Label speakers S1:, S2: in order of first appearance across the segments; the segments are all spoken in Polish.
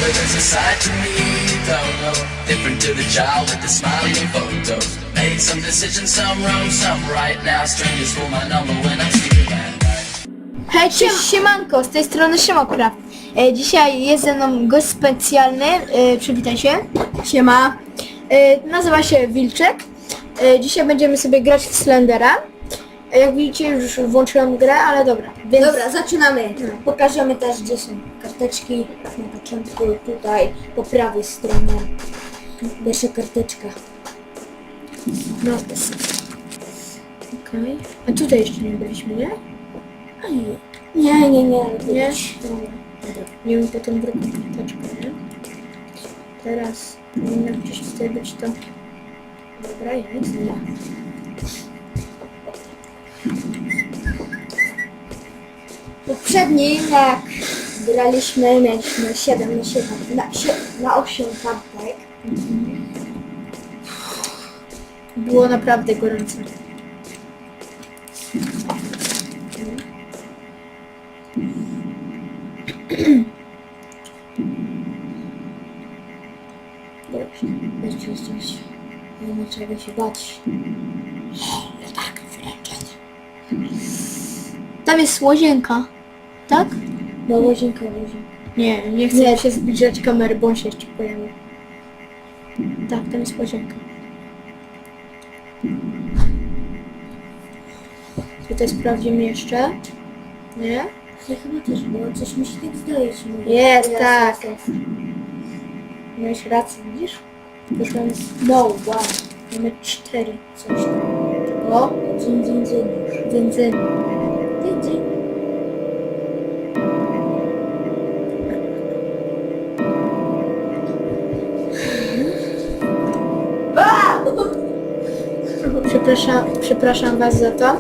S1: mother is a sight to me, though. Different to the child with the smiling photos. Made some decisions, some wrong, some right. Now strangers for my number when I'm sleeping at night.
S2: Hej, cześć, siemanko, z tej strony Szymokraft. Dzisiaj jest ze mną gość specjalny, przywitaj się. Siema. Nazywa się Wilczek. Dzisiaj będziemy sobie grać w Slendera. Jak widzicie, już włączyłem grę, ale dobra. Więc...
S3: Dobra, zaczynamy. Pokażemy też, gdzie są karteczki. Na początku tutaj po prawej stronie. Pierwsza karteczka.
S2: No, okej. A tutaj jeszcze nie byliśmy, nie?
S3: A nie. Nie.
S2: Nie?
S3: Dobra.
S2: Nie wiem, potem drugą karteczkę, nie? Teraz powinno gdzieś tutaj być to... Dobra, jest. Nie.
S3: Poprzedni, jak graliśmy, mieliśmy 7 na 7, na 8 kartek.
S2: Było naprawdę gorąco.
S3: Dobrze, jeszcze. Nie ma czego się bać. Tak, wręczenie.
S2: Tam jest łazienka, tak?
S3: No łazienka.
S2: Nie chcę się zbliżać kamery, bo on się jeszcze pojawi. Tak, tam jest łazienka. Tutaj sprawdzimy jeszcze. Nie?
S3: Ja chyba też było, coś mi się tak zdaje.
S2: Jest, tak. Miałeś rację, widzisz? Już mamy...
S3: No, wow.
S2: Mamy 4, coś tam. O,
S3: Dzin.
S2: dzyn.
S3: Dzin.
S2: Przepraszam was za to.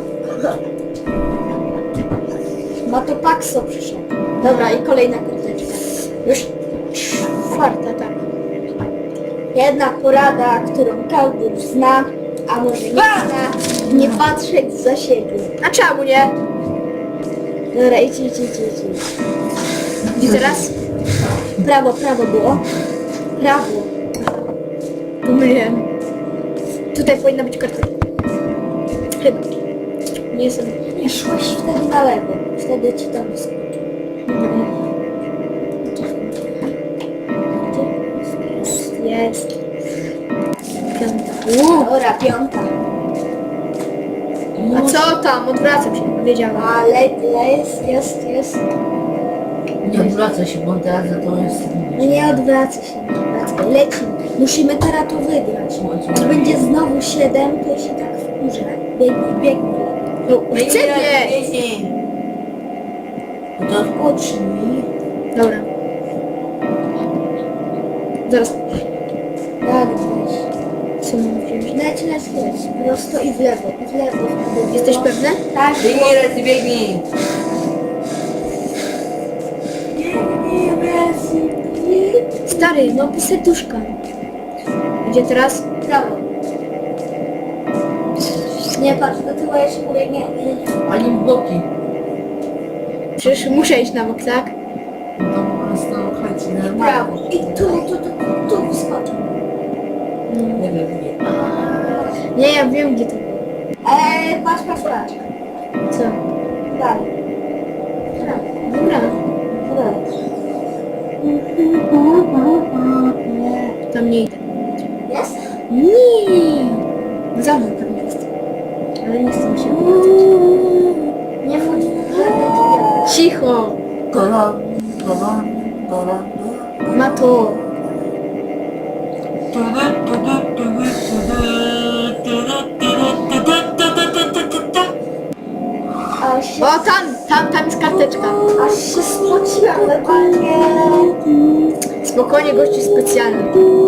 S3: Matopaxo przyszedł. Dobra, i kolejna karteczka.
S2: Już 4, tak.
S3: Jedna porada, którą każdy już zna, a może nie zna, nie patrzeć za siebie.
S2: A czemu nie?
S3: Dobra, idź.
S2: Gdzie teraz?
S3: Prawo było. Prawo.
S2: Pomyliłem. Tutaj powinna być kartka. Chyba. Nie jestem.
S3: Nie szłeś wtedy na lewo. Wtedy ci tam wyskoczy.
S2: Jest. 5.
S3: Dobra, 5.
S2: A co tam? Odwracam się, wiedziałam.
S3: Ale jest.
S4: Nie odwraca się, bo teraz za to jest...
S3: No nie odwraca się, lecimy. Musimy teraz to wygrać. Jak będzie znowu 7, to się tak wkurzę. Biegnij.
S2: No, chcę nie!
S3: Odpocznij.
S2: Dobra. Zaraz.
S3: Tak, weź.
S2: Co mam wziąć?
S3: Leć. Prosto i w lewo.
S2: Jesteś pewny?
S3: Tak.
S4: Biegnij!
S2: Stary, no serduszka. Gdzie teraz?
S3: Prawo. Nie patrz, do tyłu jeszcze pobiegnie.
S4: Ani w boki.
S2: Przecież muszę iść na bok, tak?
S4: To po prostu chodź
S3: Prawo.
S4: normalnie.
S3: I tu wskoczę.
S4: Nie wiem.
S2: Nie, ja wiem gdzie to było.
S3: Patrz.
S2: Co?
S3: Dalej.
S2: Dobra. Tam nie idę.
S3: Jest?
S2: Nie. Za mną tam jest. Ale nie chcę mi się.
S3: Nie wchodź.
S2: Cicho.
S4: Kola.
S2: Ma to. O, tam jest karteczka.
S3: Aż się spociłam normalnie.
S2: Spokojnie, gości specjalny.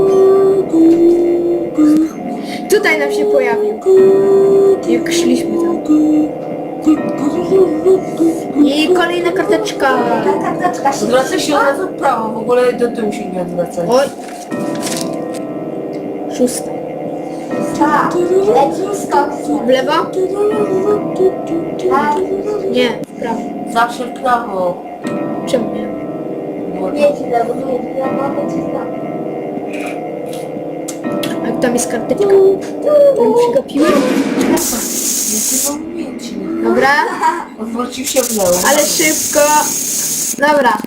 S2: Tutaj nam się pojawił. Jak szliśmy tam. I kolejna karteczka.
S3: Ta karteczka się
S4: Odwraca się od razu w prawo, w ogóle do tyłu się nie odwraca.
S2: Oj. 6.
S3: Tak, leci skok.
S2: W lewo?
S3: Tak.
S2: Nie, w prawo.
S4: Zawsze w prawo.
S2: Czemu nie?
S4: Bo bo to...
S3: Nieźle, bo to jest wiadomo, czy tam.
S2: A tam jest karteczka. Tam przegapiłem.
S4: Nie mam umiejętności.
S2: Dobra,
S4: Odwrócił się w lewo.
S2: ale szybko. Dobra.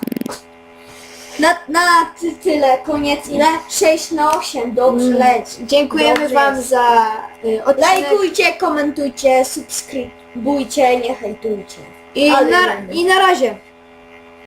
S3: Tyle, koniec ile? 6/8, dobrze leci.
S2: Dziękujemy
S3: Dobrze
S2: Wam
S3: jest.
S2: za odcinek.
S3: Lajkujcie, komentujcie, subskrybujcie, nie hejtujcie.
S2: I
S3: Ale
S2: na,
S3: będę.
S2: I na razie.